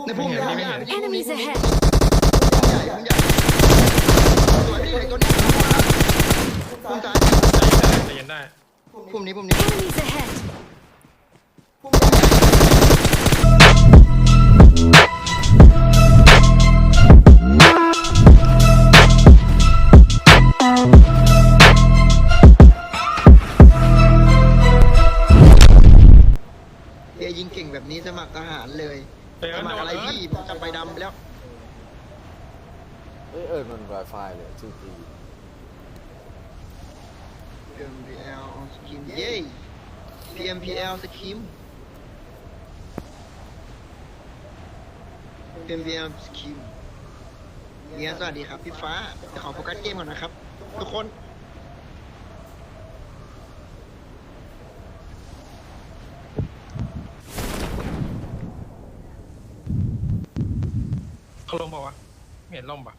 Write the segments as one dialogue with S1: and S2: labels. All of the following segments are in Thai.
S1: ในพุ่ม
S2: ไม่
S1: ให
S2: เห็
S1: ญ่
S2: นพี่ไม่เห็น
S3: Enemies ahead!
S1: พุ่มใหญ่พุ่มใหญ่สวยพี่ไหนตัวนี้พุ่มซ้าย
S2: ใจเย็นได้
S1: พุ่มนี้พุ่มนี้
S3: Enemies ahead!
S1: พุ่มใหญ่เฮียยิงเก่งแบบนี้สมัครทหารเลย
S2: เอิ
S1: ส
S2: ร์ธ
S1: มัครอะไร
S2: โดน
S1: พี่ผมจับใบดำไปแล้ว
S4: มัน Wi-Fi เลยชื่อที
S1: PMPL สกิมเย้ PMPL สกิม PMPL สกิมเนี่ยสวัสดีครับพี่ฟ้าเดี๋ยวขอโฟกัสเกมก่อนนะครับ ทุกคน
S2: เขาลงเปล่าวะไม่เห็นล่มป่ะ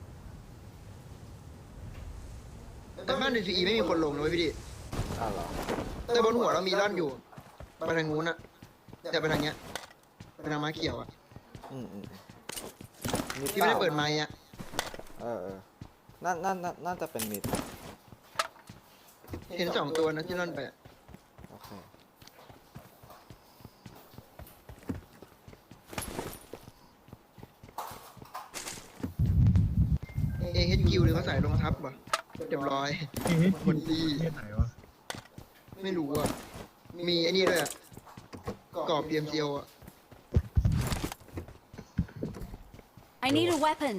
S1: แต่บ้าน DCE ไม่มีคนลงนะเว้ยพี่ดิ
S4: อ้าวเหรอ
S1: แต่บนหัวเรามีร่อนอยู่ไปทางนู้นอะแต่ไปทางเนี้ยไปทางม้าเขียวอะ
S4: อืมมี
S1: ที่ไม่ได้เปิดไมค์อะ
S4: น่าจะเป็นมิด
S1: เห็นสองตัวนะที่ร่อนไปอะ
S4: โอเค
S1: AHQ หรือเขาใส่รองทับวะเรียบร้อย คนดี
S5: ที่ไหนวะ
S1: ไม่รู้อะมีไอ้นี่ด้วยอะกรอบ PMCO อะ
S3: I need a weapon!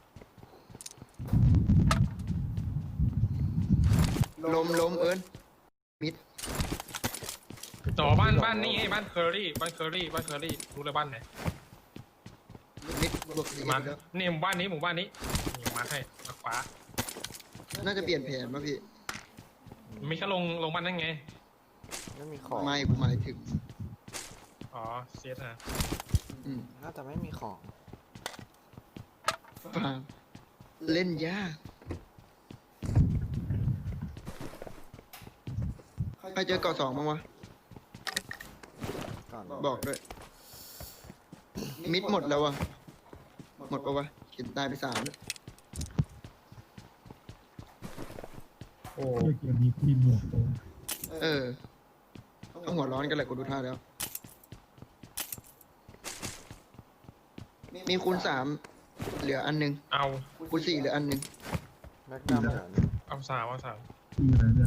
S1: ล้มเอิญมิด
S2: อ๋อบ้านนี่ไงบ้านเคอรี่รู้เลยบ้านไหน
S1: มิดบวกสี่
S2: มา
S1: แล้ว
S2: นี่หมู่บ้านนี้นี่มาให้ขวา
S1: น่าจะเปลี่ยนแผนป่ะพี่
S2: มีแค่ลงบ้านนั่นไง
S4: ไม่มีของ
S1: ไม่กูหมายถึง
S2: อ๋อเซียสนะ
S1: อืม
S4: น่าจะไม่มีของ
S1: ฟาร์มเล่นยากใครเจอเกาะสองบ้างวะ
S4: ก่อน
S1: บอกด้วย มิดหมดแล้ววะหมดปะวะเห็นตายไปสามแล้ว
S2: โอ้
S5: เกี่ยวกับมีหมวกโต
S1: เออต้องหัวร้อนกันแหละกูดูท่าแล้ว มีคูณสามเหลืออันหนึง
S2: เอา
S1: คูณสี่เหลืออันหนึง
S4: แม็กดัมเหรอเนี่ย
S2: เอาสาม
S5: ที่อะไรเนี่ย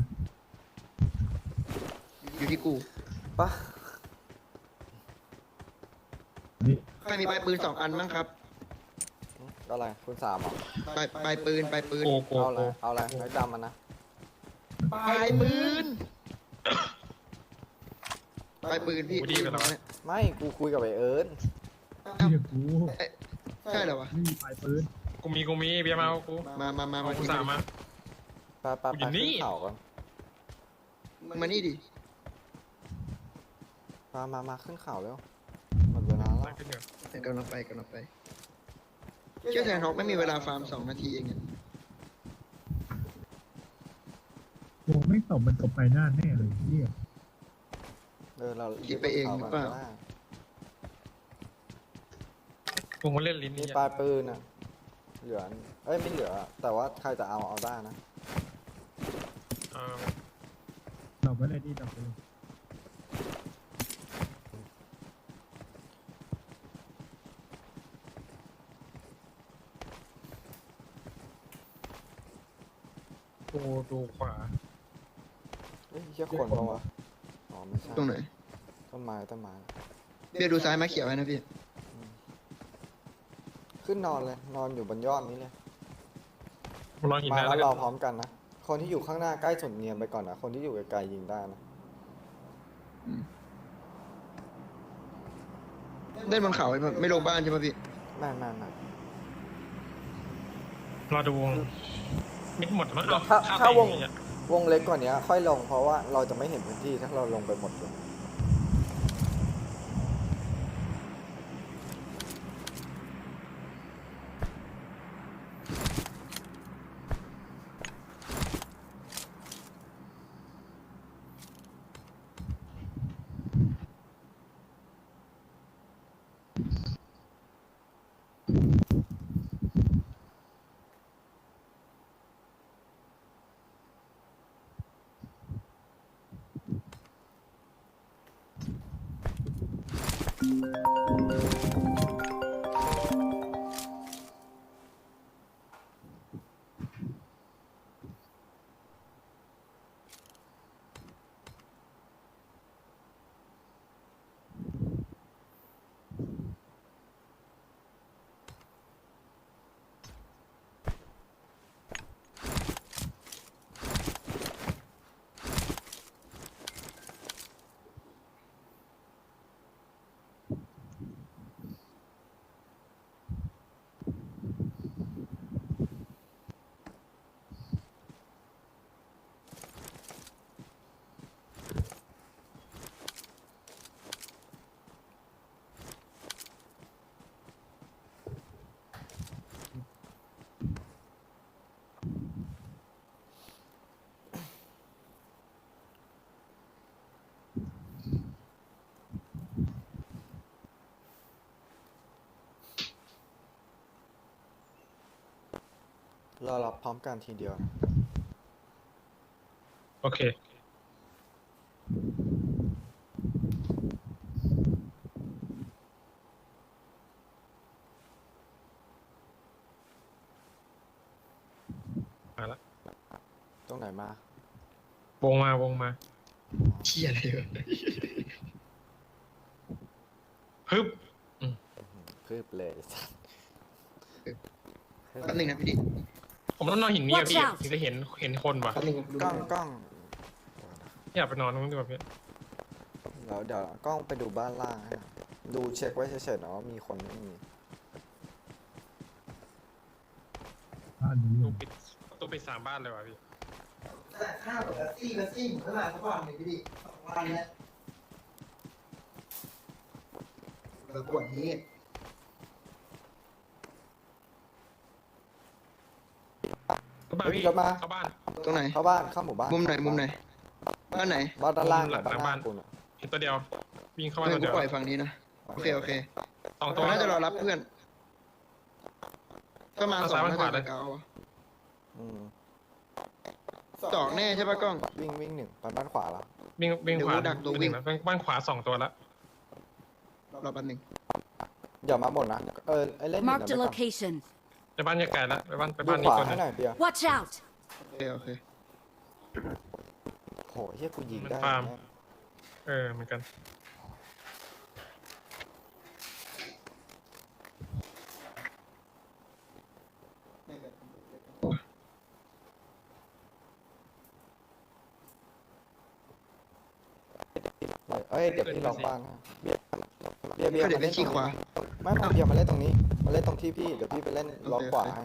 S1: อยู่ที่กู
S4: ปะ
S5: นี่
S1: ใครมีปลายปืนสองอันบ้างครับ
S4: อะไรคุณสามเหรอ
S1: ปลายปืน
S2: โก
S4: เอาอะไรแม็กดัมมันนะ
S1: ปลายปืนปลายปืนพี่
S4: ไม่กูคุยกับไอเอิร์น
S5: ที่กับกู
S1: ใช่เหรอวะ
S5: ไม่มีปลายปืน
S2: กูมีเบียร์มาเอากู
S1: มา
S2: เอากูสามมา
S4: ไป
S2: อยู่นี่
S4: ขึ้นเขาก่อน
S1: มานี่ดิ
S4: มาขึ้นเขาแล้วหมดเวลาแล้ว
S2: ขึ้นเดี๋ยว
S1: กำลังไปเชื่อแทนฮอกไม่มีเวลาฟาร์ม2 นาทีเองอะ
S5: วงไม่ตบมันตบไปหน้าแน่เลยเนี่ย
S4: เรา
S1: คิดไปเองหรือเปล่า
S2: กูมาเล่นลิ้น
S4: มี
S2: นี่
S4: ปลายปืนอ่ะเหลือไม่เหลือ แต่ว่าใครจะเอาได้นะ
S5: ตบไม่ได้ที่ตบไปเลย
S2: กูดูขวา
S4: เชี่ยคนปะวะอ๋อไม่ใช่
S1: ตรงไหน
S4: ต้นไม้
S1: เบียร์ดูซ้ายมาเขียวไว้นะพี่
S4: ขึ้นนอนเลย นอนอยู่บนยอดนี้เลย
S2: กูรอหิน
S4: มา
S2: นะ
S4: แล้
S2: แล้ว ว
S4: ร
S2: กั
S4: อน พร้อมกันนะ คนที่อยู่ข้างหน้าใกล้สุดเนียนไปก่อนนะ คนที่อยู่ไกลๆยิงได้นะ
S1: เล่นบนเขาไม่ลงบ้านใช่ไหมพี่
S4: ไม่
S2: รอดูวงมิดหมดมั้ง
S4: ถ้าวงเล็กกว่านี้ค่อยลงเพราะว่าเราจะไม่เห็นพื้นที่ถ้าเราลงไปหมดเลยเรารับพร้อมกันทีเดียวนะ
S2: โอเคมาละ
S4: ตรงไหนมา
S2: วงมา
S1: เชี่ยอะไรวะ
S2: ฮึบ
S4: คืบเลยสัส
S1: แป๊บนึงนะพี่ดิ
S2: ผมต้องนอนหินนี้อะ
S3: Watch
S2: พี่
S3: out
S2: ถึงจะเห็นคนว่ะ
S1: แป๊บนึงดู
S4: กล้องกล้อง
S2: อยากไปนอนตรงนู้นดีกว่าพี่
S4: เดี๋ยวกล้องไปดูบ้านล่างให้หน่อยดูเช็คไว้เฉยๆนะว่ามีคนไม่มี
S5: บ้านนี้
S2: ตู้ปิด3 บ้านเลยว่ะพี่
S1: แต่ข้าวกับซี่ผมก็มาสักวันหนึ่งพี่ดิ2 วันแล้วแล้วปวดนี้
S2: เข้าบ้านพี่
S4: เดี๋ยวมา
S2: เข้าบ้าน
S1: ตรงไหน
S4: เข้าบ้านเข้าหมู่บ้าน
S1: มุมไหนบ้านไหน
S4: บ้านด้านล่าง
S2: หลัง
S4: บ้าน
S2: บ้าน
S4: กูน่ะ
S2: เห็นตัวเดียววิ่งเข้าบ้าน
S1: ไม่
S2: ตัว
S1: กู
S2: เดียว
S1: ปล่อยฝั่งนี้นะโอเค
S2: 2 ตั
S1: เรา
S2: ว
S1: น่าจะรอรับเพื่อนถ้ามา
S2: เอา
S1: 2
S2: ซ้าย
S1: น่า
S2: ขวา
S1: จะ
S2: เลย
S1: เก่า
S4: อืม
S1: 2แน่ใช่ปะกล้อง
S4: วิ่งหนึ่งไปบ้านขวาแล้ว
S2: วิ่งขวา
S1: เดี๋ยวดักตัววิ่ง
S2: บ้านขวา2 ตัวแล้ว
S1: รอแป๊บนึง
S4: อย่ามาบ่นนะไอ้เล่นหิน
S3: Marked a
S4: นะไปก่อน
S3: location.
S2: ไปบ้านยาไก่แล้วไปบ้าน
S4: ดู
S2: นี้
S4: ขวา
S2: ตัวหนึ
S4: ให้
S2: ง
S4: หน่อยเบียร์
S3: Watch out!
S1: โอเค
S4: โหเฮียกูยิงได้
S2: ฟาร์ม
S4: แน่
S2: เหมือนกัน
S4: เอ้ยเดี๋ยวพี่ล็อกบ้านนะเบียร์
S1: ก็เดี๋ยว
S4: มา
S1: ไป
S4: เล่นต
S1: ชี้
S4: รง
S1: ขวา
S4: นี้ไม่เบียร์มาเล่นตรงนี้มาเล่นตรงที่พี่เดี๋ยวพี่ไปเล่นล็อกขวาให้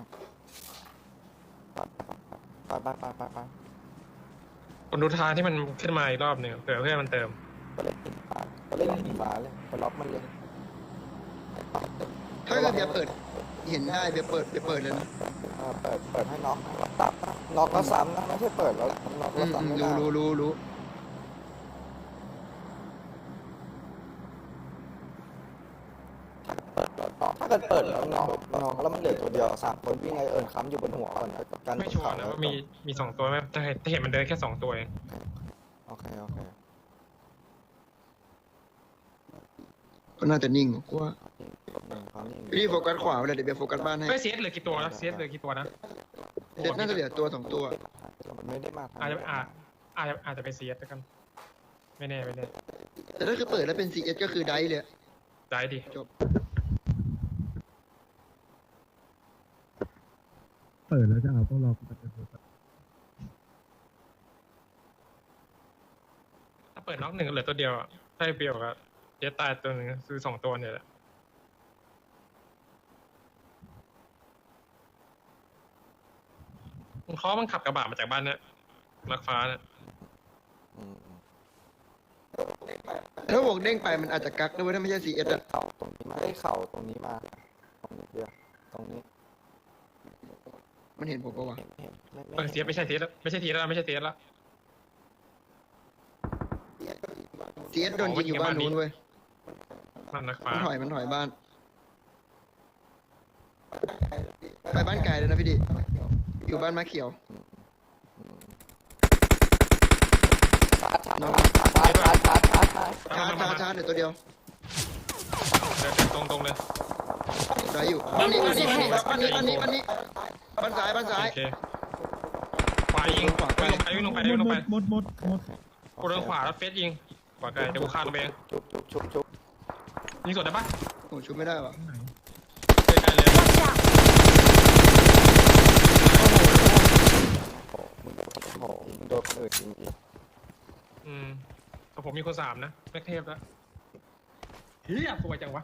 S4: ไป
S2: คนดูทางที่มันขึ้นมาอีกรอบหนึ่งเผื่อเพื่อนมันเติม
S4: ไปเล่นหินฟ้าเลยไปล็อกมันเลย
S1: ถ้าเกิดเบียร์เปิด เห็นได้เบียร์เปิดเลยนะ
S4: เปิดให้น็อกน็อกแล้วซ้ำนะไม่ใช่เปิดแล้วน็อกแล้วซ้ำไม่ได้
S1: รู้
S4: ถ้าเกิดเปิดแล้วน็อกแล้วมันเหลือตัวเดียว3 คนวิ่งไอค้ำอยู่บนหัวก่อนกัน
S2: ไม่ชัวร์นะว่ามี2 ตัวไหมแต่เห็นมันเดินแค่2 ตัวเอง
S4: โอเค
S1: ก็น่าจะนิ่งกูว่า
S4: เขานี่
S1: พี่โฟกัสขวาเลยเดี๋ยวเบียร์โฟกัสบ้านให้
S2: เฮ้ยเซียสเหลือกี่ตัวนะเซียสเหลือกี่ตัวนะ
S1: เด็ดน่าจะเหลือตัว 2 ตัว
S4: มันไม่ได้มาทาง
S2: อาจจะไปเซียสแล้วกันไม่แน่
S1: แต่ถ้าคือเปิดแล้วเป็น CS ก็คือได้เลย
S2: ได้ดิ
S1: จบ
S5: เปิดแล้วจะเอาต้องรอกูไปเปิด
S2: ถ้าเปิดน็อก1เหลือตัวเดียวอะถ้าเปรียวกับเจ๊ตายตัวหนึ่งคือ2 ตัวเนี่ยแหละมันขับกระบะมาจากบ้านเนี่ยลักฟ้าเนี่ย
S1: ถ้าบวกเด้งไปมันอาจจะกักด้วยถ้าไม่ใช่ CS อะ
S4: เข่าตรงนี้มาได้เข่าตรงนี้มาตรงนี้เดียวตรงนี้
S1: มันเห็นผมปะวะ
S2: เซียสไม่ใช่เซียสแล้วไม่ใช่เซียสแล้วไม่ใช่เซียสแล้ว
S1: CS โดนยิงอยู่บ้านนู้นเว้ย
S2: มันลักฟ้า
S1: มันถอยบ้าน ไปบ้านไกลเลยนะพี่ดิ อยู่บ้านมะเขียวน้องชาร์จเดี๋ยวตัวเดียว
S2: เดินตรงเลย
S1: ได้อยู่บ้านนี้บ้านนี้บ้านนี้บ้านนี้บ้านนี้บ้านนี้บ้านซ้ายบ้านซ้าย
S2: โอเคขวายิงวิ่งลงไป
S5: หมด
S2: กูเดินขวาแล้วเฟสยิงขวาไกลเดี๋ยวกูคานลงไปเอง
S4: ชุบ
S2: ยิงสดได้ปะ
S1: โอ้ชุบไม่ได้ว่ะ
S5: ตรงไหน
S2: ใกล้เลย
S3: Watch out!
S4: โอ้โหมึงโดนคนอื่นจริง
S2: แต่ผมมีคน3นะแม็กเทพแล้วเฮียสวยจังวะ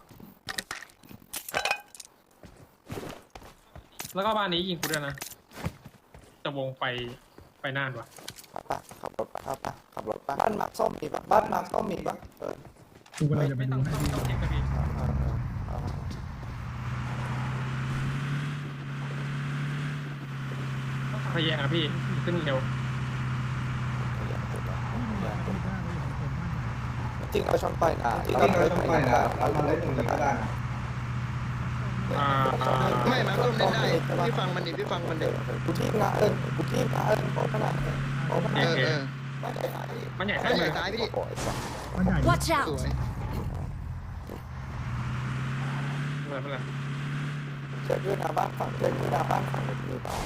S2: แล้วก็บ้านนี้ยิงกูด้วยนะจะวงไปน่านวะ
S4: ๆป่ะขับรถป่ะขับรถป่ะบ้านมาร์คส้มมีป่ะบ้านมาร์คส้มมีป่ะ
S5: กูกำลังจะไป
S2: ไม่
S5: ดู
S2: ต้อง
S5: ให้
S2: ต้อง
S5: พี่
S2: เช็คกันพี่พยายามพี่ขึ้นเร็ว
S4: จริงเราชนไปนะเราเล่นตรงนี้ก็ได้นะ
S1: ไม่มาต้มเล่นได้พี่ฟังมันดิพี่ฟังมันเด็ก
S4: กูทีมนะกูทีมนะโอ้ขนาดโอ้ขนาด
S2: มันใหญ่
S1: บ้า
S2: แค่
S1: นให
S2: ไหน
S1: ญ่ซ้ายพี่ดิ
S4: โอ้ยสัส
S5: มันใหญ่
S3: Watch
S1: ส
S3: out!
S1: วย
S2: ไม่เป็นไร
S4: เช็คด้วยนะบ้านฝั่งเช็คด้วยนะบ้านฝั่งนี้ป่ะ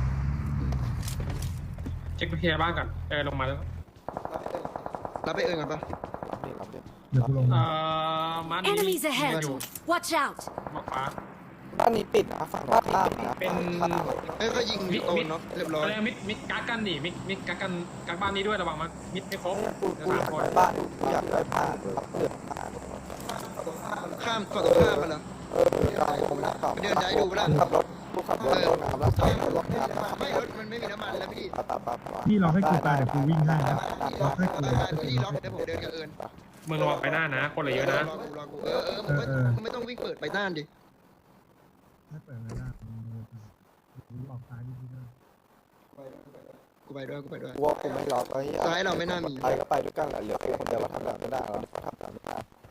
S2: เช็คไปเคลียร์บ้านก่อนลงมาแล้ว
S1: รับไปเอิญกันปะ
S4: รับดิ
S5: เดี๋ยวกูลงมา
S2: มัน
S3: Enemies ahead! Watch out!
S2: มาฟ้า
S4: บ้านนี้ปิดนะฝั่งบ้านล่างนะ
S2: เป็น
S1: เอ้ยก็ยิงโตนเนาะเรียบร้อย
S2: อะไรมิดกักกันดิมิดกักกันกักบ้านนี้ด้วยระวังมันมิดไม่ครบ
S4: กูอยากได้บ้านกูอยากได้บ้านรับเดือดบ้าน
S1: ข้ามฝั่งตรงข้ามมันเหรอ
S4: เราผมนะขับ
S1: เดินได้ดูปะล่ะ
S4: ขับรถกูขับรถลงน้ำแล้วขับรถน้ำ
S1: ไม่รถมันไม่มีน้ำมันแล้วพี่
S5: พี่รอให้กูตายเดี๋ยวกูวิ่งให้นะรอให้กู
S1: พี่ล็อกเดี๋ยวผมเดินกับเอิญ
S2: มึงระวังไปหน้านะคนเหลือเยอะนะ
S1: รอกูมึงไม่ต้องวิ่งเปิดไปน่านดิ
S5: ไม่เปิดเลยนะกูออกซ้ายนิดนึง
S1: กูไปด้วยกูไปด้วย
S4: ว่ากูไม่ล็อกไอ้
S1: ซ้ายเราไม่น่ามี
S4: ไปก็ไปด้วยกันแหละเหลือคนเดียวเราทำแบบไม่ได้เราทำแบบไม่ได้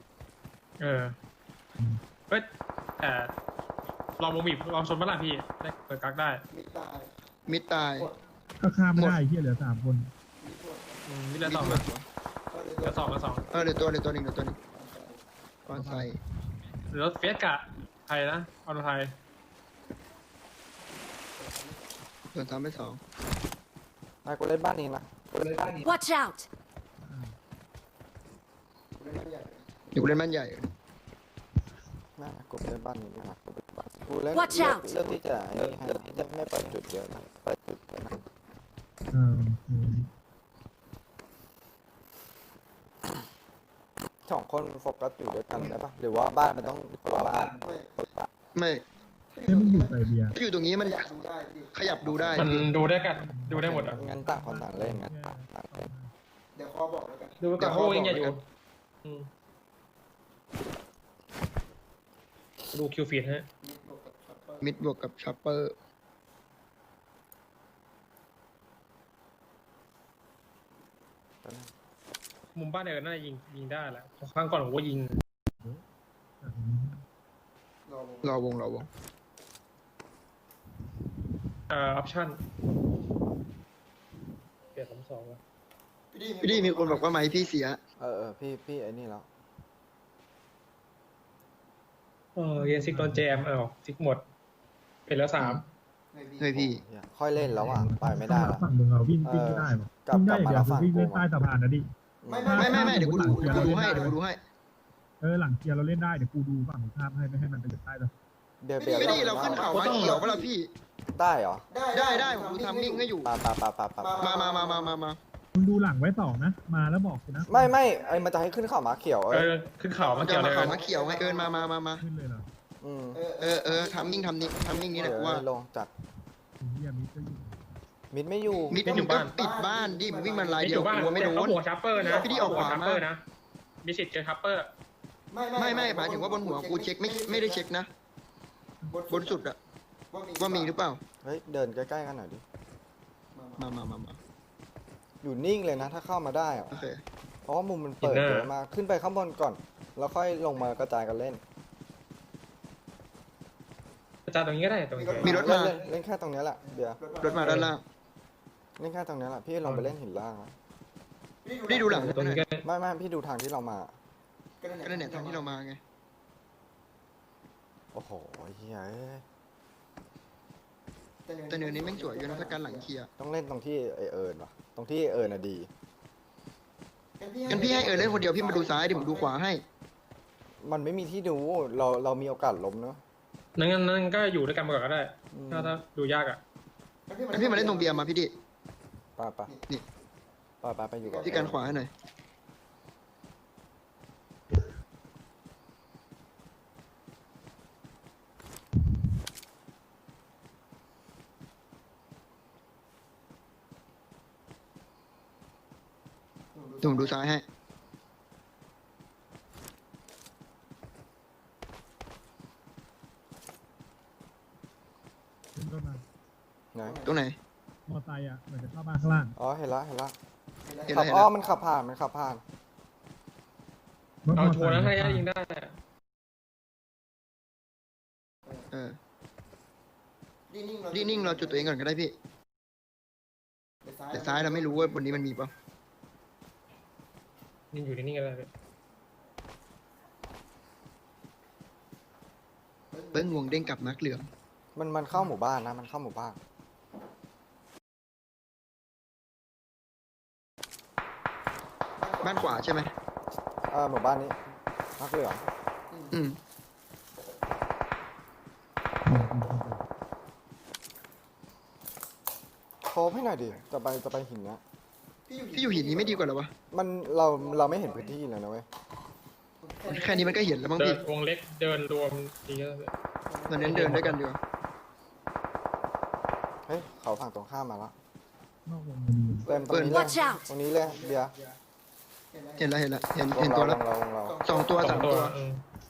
S2: เฮ้ยแต่ลองวงบีบลองชนบ้านละพี่ได้เปิดกักได้
S1: มิดตาย
S5: ก็ข้ามไม่ได้เฮียเหลือ3 คน
S2: มิดละ2นะละ2
S1: เดี๋ยวตัวหนึ่งก่อนใส่
S2: หรือรถเฟสกะไทยนะออโตไทย
S1: ส่วน3ไป2
S4: ไอ้กูเล่นบ้านนี้นะ
S3: Watch out!
S1: อยู่เล่นบ้านใหญ่
S4: น่ากูเล่นบ้านนี้นะกูเล่น
S3: Watch out
S4: เลือกที่จะเลือกที่จะไม่เปิดจุดเดียวนะเปิดจุดเดียวนะ 2 คนโฟกัสอยู่ด้วยกันได้ปะหรือว่าบ้านมันต้องบ้าน
S1: ไม่
S5: เฮ้ยมึงอยู่ไซเบีย
S1: อยู่ตรงนี้มันขยับดูได้
S2: มันดูได้กันดูได้หมดอ่ะ
S4: งั้นต่างคนต่างเล่นงั้น
S2: ดูกับโอ้ยังใหญ่อยู่ดูคิวฟีดฮะ
S1: มิดบวกกับชัปเปอร์
S2: มุมบ้านน่าจะยิงได้แหละครั้งก่อนผมว่ายิง
S1: รอวง
S2: ออปชั่นเปลี่ยน2แล้ว
S1: พี่ดีมีคนบอกว่าไม้พี่เสีย
S4: พี่ไอ้นี่แล้ว
S2: เรียนซิกตอนแจมซิกหมดเป็นแล้ว3
S1: เฮ้ยพี่
S4: ค่อยเล่นแล้วอ่ะไปไม่ได้แล้ว
S5: ฝั่งมึงเราวิ่งไม่ได้หรอกวิ่งได้อย่างเดียวคือวิ่งเล่นใต้สะพานนะดิ
S1: ไม่เดี๋ยวกูดูให้
S5: หลังเกียร์เราเล่นได้เดี๋ยวกูดูฝั่งข้ามให้ไม่ให้มันไปอยู่ใต้แล้ว
S1: พี่ดีเราขึ้นเขามาเขียวป่ะล่ะพี่
S4: ได้เหรอ
S1: ได้ผมดูทำมิ่งให้อยู่ มา
S5: มึงดูหลังไว้2นะมาแล้วบอกกูนะ
S4: ไม่ไอ้มันจะให้ขึ้นเขามาเขียว
S2: ขึ้นเขา
S1: มั
S2: มาน
S1: จะ
S2: เกี่ยว
S1: มา
S2: เลย
S1: เขามาเขียวไงเอิญมา
S5: ขึ้นเลยเหรอ
S1: ทำมิ่งนี้แหละว่า
S4: ลงจัด
S5: เฮียมิดก็อยู่
S4: มิดไม่อยู่
S1: มิดมันก็ปิดบ้านดิวิ่งมันลายเดียวกลัวไม่โดน
S2: หัวชัปเปอร์นะ
S1: พี่ดีออกขวา
S2: ชัปเปอร์นะมีสิทธิ์เจอชัปเปอร์
S1: ไม่หมายถึงว่าบนหัวกูเช็คไม่ได้เช็คนะบนสุดอะว่ามีหรือเปล่า
S4: เฮ้ยเดินใกล้ๆกันหน่อยดิ
S1: มา
S4: อยู่นิ่งเลยนะถ้าเข้ามาได้อะ
S1: โอเค
S4: เพราะว่ามุมมันเปิดเยอะมากขึ้นไปข้างบนก่อนแล้วค่อยลงมากระจายกันเล่น
S2: อาจารย์ตรงนี้ก็ได้ตรงนี้
S1: มีรถมา
S4: เล่นแค่ตรงนี้แหละเดี๋ยว
S1: รถมาด้านล่าง
S4: เล่นแค่ตรงนี้แหละพี่ลงไปเล่นหินล่าง
S1: นี่ดูหลัง
S2: ตรงนี้ก็
S4: ไม่พี่ดูทางที่เรามา
S1: ก็นั่นแหละทางที่เรามาไง
S4: โอ้โหเฮียเอ้ย
S1: แต่เนินนี้แม่งสวยอยู่นะถ้าการหลังเคลียร์
S4: ต้องเล่นตรงที่ไอเอิญวะตรงที่ไอ้เอิญน่ะดี
S1: งั้นพี่ให้เล่นคนเดียวพี่มาดูซ้ายดิผมดูขวาให้
S4: มันไม่มีที่ดูเรามีโอกาสล้มเนอะ
S2: นั่นก็อยู่ด้วยกันมาก่อนก็ได้
S4: อืม
S2: ถ้าดูยากอ่ะ
S1: งั้นพี่มาเล่นตรงเบียร์มาพี่ดิ
S4: ไป
S1: นี่
S4: ไปอยู่กับ
S1: พี่การขวาให้หน่อยเดี๋ยวผมดูซ้ายให้
S5: ขึ้นรถมา
S4: ไหน
S1: ตรงไหน
S5: มอไซค์อ่ะเหมือนจะเข้ามาข้างล่าง
S4: อ๋อเห็นละ
S1: เห็น
S4: ขั
S1: แล้
S4: บ
S1: วเห็น
S4: อ้อ
S1: แล้ว
S4: มันขับผ่าน
S5: รถม
S2: เอา
S5: อ
S2: ชั
S5: ไซ
S2: วร์
S5: ค์
S2: นะถ้ายิงได้
S1: เออนิ่งเราจุดตัวเองก่อนก็ได้พี่ แต่ซ้ายเราไม่รู้ว่าบนนี้มันมีเปล่า
S2: ยิงอยู่นิ่งๆก็ได้
S1: เบิ้งวงเด้งกลับมาร์กเหลือง
S4: มันเข้าหมู่บ้านนะมันเข้าหมู่บ้าน
S1: บ้านขวาใช่ไหม
S4: หมู่บ้านนี้นักเหลือง
S1: อืม
S4: โคบให้หน่อยดิจะไปหินเนี้ย
S1: พี่อยู่หินนี้ไม่ดีกว่าเหรอวะ
S4: มันเราไม่เห็นพื้นที่เลยนะเว้ย
S1: แค่นี้มันก็เห็นแล้วมั้ง
S2: เดิ
S1: พี่
S2: นวงเล็กเดินรวมดีก็
S1: เราเน้นเดินด้วยกันดีกว่า
S4: เฮ้ยเขาฝั่งตรงข้ามมาแล้ว
S5: นอกวงมันดี
S4: เริ่มตรงนี้เลย
S3: Watch out
S4: ตรงนี้เลยเบียร์
S1: เห็นแล้วเห็นแล้วเห็น
S4: ว
S1: เห็
S4: ง
S1: นตัว
S4: เรา
S1: แล้ว
S4: วงเรา
S1: สองตัว
S2: สอ
S1: สาง ม
S2: ตั
S1: ตัว ว
S2: เออ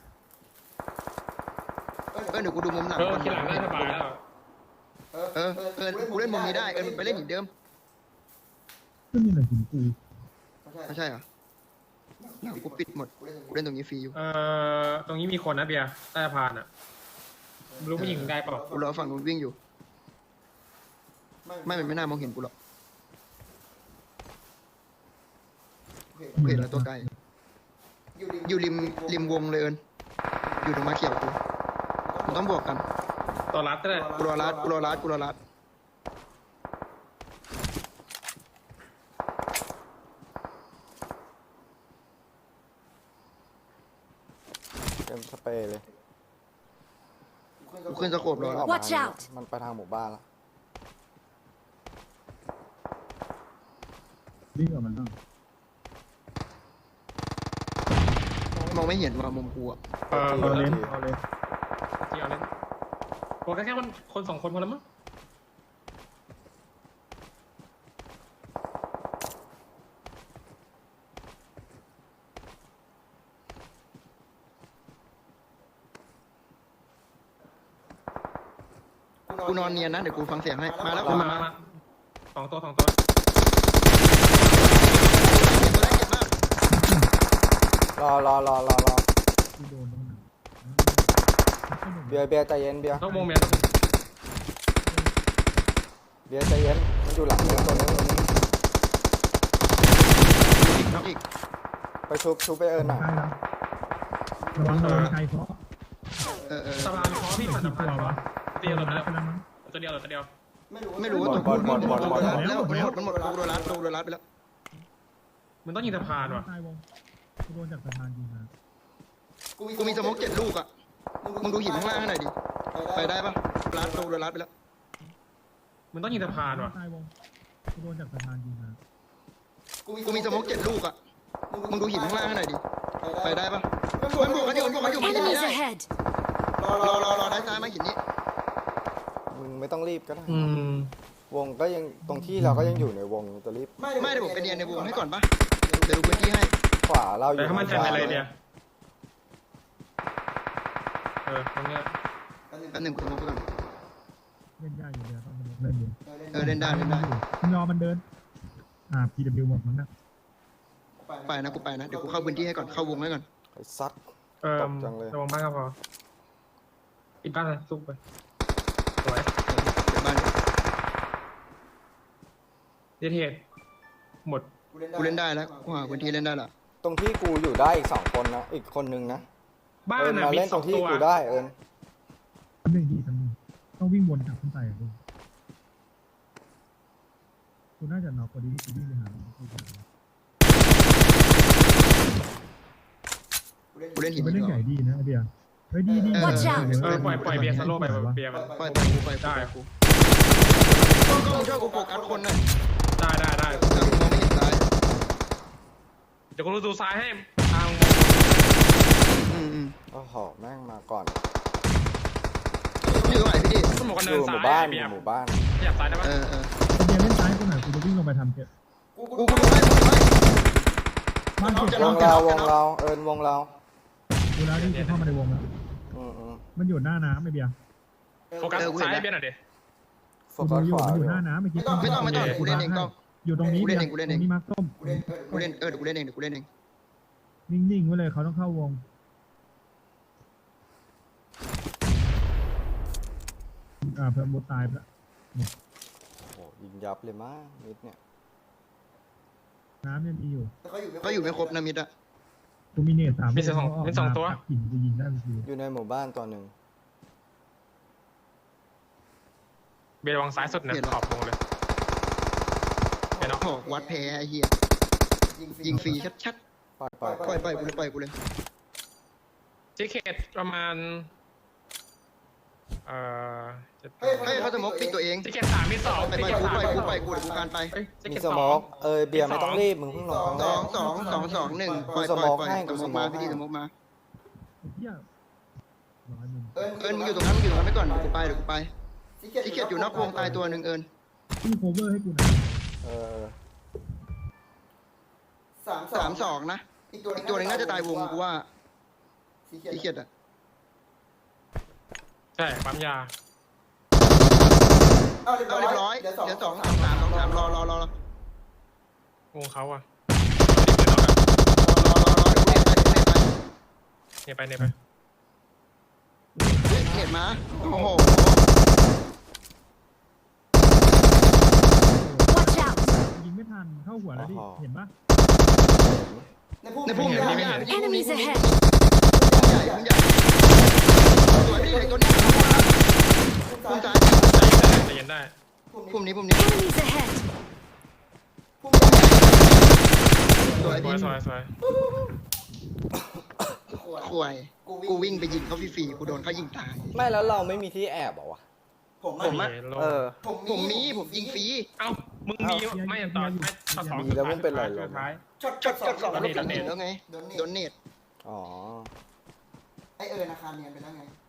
S1: เดี๋ยวกูดูมุมหลังก่อน
S2: ที่หลังน่าสบายแล้ว
S1: กูเล่นมุมนี้ได้ไปเล่นหินเดิม
S5: ก็มีอะไรหินปู
S1: ไม่ใช่เหรอหลังกูปิดหมดกูเล่นตรงนี้ฟรีอยู่
S2: ตรงนี้มีคนนะเบียร์ใต้สะพานอ่ะไม่รู้ผู้หญิงได้เปล่า
S1: กูรอฝั่งนู้นวิ่งอยู่มันไม่น่ามองเห็นกูหรอกกูเห็นแล้วตัวไกลอยู่ริมวงเลยเอิญอยู่ตรงมาเขียวกูมันต้องบวกกัน
S2: ตัวรัดก็ได้
S1: กูรอรัด
S4: เต็มสเปรย์เลย
S1: กูขึ้นสโคปรอแล้ว
S3: Watch out
S4: มันไปทางหมู่บ้านแล้ว
S5: วิ่งออกมาบ้าง
S1: มองไม่เห็นว่ามุมกูอะ
S5: เอาเลนเอาเลน
S2: ที่เอาเล่นโอ้แค่มันคนสองคนพอแล้วมั้ง
S1: กูนอนเนียนนะเดี๋ยวกูฟังเสียงให้มาแล้ว
S2: มาสองตัว
S1: ตัวแรกเจ็บมาก
S4: รอ
S5: ที่โดนตรงไหน
S4: เบียร์ใจเย็นเบียร์
S2: นอกวงเมีย
S4: เบียร์ใจเย็นมันอยู่หลังตัวนี้
S1: น็อกอีก
S4: ไปชุบไปเอิญหน่อย
S5: ใกล้แล้วระวังไกลเพราะ
S2: สะพานคอพี่ผ่านสะพานคอเดียว
S5: ไป
S2: ตัว
S5: แล้วมั้ง
S2: เดียวตัวเดียว
S1: ไม่รู้ว่าตัวกูแล้วมันหมดกูโดนรัดไปแล้ว
S2: มันต้องยิงสะพานว่ะ
S5: ใต้วงกูโดนจากสะพานยิงมา
S1: กูมีสโมก7 ลูกอะมึงดูหินข้างล่างให้หน่อยดิไปได้ปะรัดไปแล้ว
S2: มันต้องยิงสะพานว่ะ
S5: ใต้วงกูโดนจากสะพานยิงมา
S1: กูมีสโมก7 ลูกอะมึงดูหินข้างล่างให้หน่อยดิไปได้ปะมันบวกกันอยู่มาหิน
S3: Enemies
S1: นี้ได้
S3: ahead!
S1: รอได้ซ้ายมาหินนี้
S4: มึงไม่ต้องรีบก็ได้
S2: อืม
S4: วงก็ยังตรงที่เราก็ยังอยู่ในวงจะรีบ
S1: ไม่ได้ผมไปเนียนในวงให้ก่อนปะเดี๋ยวดูพื้นที่ให้
S4: ขวาเราอยู่
S2: แต่ถ้ามัน
S4: ทาง
S2: ทำ
S4: ซ้า
S2: อะไร
S4: ย
S2: เดียวตรงเนี้ย
S1: อันหนึ่งกูสโมกไปก่อน
S5: เล่นได้อยู่เดียวต้องเล่นอยู่
S1: เล่นได้
S5: มึงรอมันเดินPW หมดมั้งนะ
S1: ไปนะกูไปนะเดี๋ยวกูเข้าพื้นที่ให้ก่อนเข้าวงให้ก่อน
S4: ไอ้ซัด
S2: ระวังบ้านก็พอปิดบ้านเลยซุกไปสวย
S1: เดี๋ยวบ้าน
S2: เดทเทดหมด
S1: กูเล่นได้แล้วกูหาพื้นที่เล่นได้ละ
S4: ตรงที่กูอยู่ได้อีก2 คนนะอีกคนนึงนะ
S2: บ้าน
S4: เอิญ
S2: น่ะ
S4: มา
S2: มี
S4: เล่น
S2: ส
S4: ต
S2: อ
S4: รง งที่
S2: ตัว
S4: กูได้เอิญ
S5: ทำหนึ่งดีทำหนึ่งต้องวิ่งวนกลับขึ้นไปอะลูกกูน่าจะน็อกพอดีที่กูวิ่งไปหา
S1: กูเล่นหิน
S5: มันเล่นใหญ่ดีนะไอเบียร์เฮ้ยดี
S3: Watch out
S2: ปล่อยเบียร์สโลว์ไปเบียร์มัน
S1: ปล่อยกูปล่อย
S2: ได้
S1: กูก็มึงช่วยกูโฟกัสคนหน่อย
S2: ได้
S1: เดี๋ยวกูมองไม่เห็นซ้าย
S2: เดี๋ยวกูดูซ้ายให้ทาง
S4: โอ้โหแม่งมาก่อน
S1: อยู่ตรงไหนพี่ดิ
S2: สมองกัน
S4: อ
S2: เนิน
S4: ยู่ห
S2: ซ้า
S4: มู่
S2: ย
S4: บ้าน
S2: เบียร์
S4: หมู่บ้าน
S2: ขยับซ้ายได้ปะ
S1: เออ
S5: ไอเบียร์เล่นซ้ายกูหน่อยกูจะวิ่งลงไปทำเก็บ
S1: กูดูให้กูดูให้
S5: บ้านเก็บ
S1: จะ
S4: ว
S1: น็อก
S4: ง
S1: จะ
S4: เรา
S1: น็อก
S4: วงเราเอิญวงเรา
S5: ดูแล้วนี่กูเข้ามาในวงแล้ว
S4: อืม
S5: มันอยู่หน้าน้ำไอเบียร์
S2: โฟกัสซ้ายเบียร์หน่อยดิ
S4: โฟกัส
S5: อยู่
S4: ขวา
S5: มัน
S4: อ
S5: อยู่ ยู่หน้าน้ำเมื่อกี้
S1: ไม่ต้องกูเล่นเองกล้อง
S5: อยู่ตรงนี้
S1: กูเล่นเองกูเล่นเอง
S5: ตรงนี้มาร์คส้ม
S1: กูเล่นเดี๋ยวกูเล่นเองเดี๋ยวกูเล่นเอง
S5: นิ่งๆไว้เลยเขาต้องเข้าวงเพิ่มมุดตายไปแล้ว
S4: โอ้โหยิงยับเลยมั้งมิดเนี่ย
S5: น้ำยังมีอยู่
S1: ก็อยู่ไม่ครบนะมิดอะ
S5: กูมีเนต3
S2: มีสองตัว
S5: หินจะยิงได้ทันที
S4: อยู่ในหมู่บ้านตัวหนึ่ง
S2: เบียร์วางซ้ายสุดนะขอบวงเลยเห็นเนาะ
S1: โอ้วัดแพ้ไอ้เหี้ยยิงฟรีชัด
S4: ปล่อย
S1: ๆปล่อยกูเลย
S2: จิเคตประมาณเ
S1: ให้เขาสมมติปิดตัวเอง
S2: จิเคต3มี2
S1: ไป
S2: จิ
S1: ไป
S2: เคต
S1: กู
S2: 3
S1: ไปกูไปกูเดี๋ยวกูการไป
S2: จิ
S4: มี
S2: เคต
S4: ส
S2: 2
S4: โมกเบียร์ไม่ต้องรีบมึงเพิ่งลงครั้งแรก
S1: 2 ปล่อย
S4: กูสโมก
S1: ปล่อย
S4: ให้
S1: สมมติมาพี่ดิสมมติมา
S5: เหี้ย100มุม
S1: เอิญมึงอยู่ตรงนั้นไปก่อนเดี๋ยวกูไปที่เกียจอยู่นอกวงตายตัวหนึ่งเอิญ
S5: พี่โคเวอร์ให้กูหน่อย
S4: เออ
S1: 3-2นะอีกตัวหนึงน่าจะตายวงกูว่าที่เกียจอะ
S2: ใช่ปั๊มยา
S1: เอาเรียบร้อยเดี๋ยว2-3รอ
S2: วงเขาอะ
S1: เดี๋ยวกูเน็ตไป
S2: เนี่ยไป
S1: เน็ตมาโอ้โห
S3: Watch out!
S5: ยิงไม่ทันเข้าหัวแล้วดิเห็นปะ
S1: ในพุ่มใหญ่
S3: Enemies ahead!
S1: พุ่มใหญ่สวยพี่เด็กตัวนี้พุ่มซ้าย
S2: ใจเย็นได้
S1: พุ่มนี้
S3: Enemies ahead!
S1: สวยพี่
S2: สวย
S1: ข่วยกูวิ่งไปยิงเขาฟรีๆกูโดนเขายิงตาย
S4: ไม่แล้วเราไม่มีที่แอบเหรอวะ
S1: ผมอะ
S4: เออ
S1: ผมยิงฟรี
S2: เอ้ามึงมีไม่ต่อ2
S4: มีแล้วมึงเป็นไรเหรอ
S2: ท้าย
S1: ช็อต2แล้วไงโดนเน็ต
S4: อ๋อ
S1: ไออาคารเนียนไปแล้วไง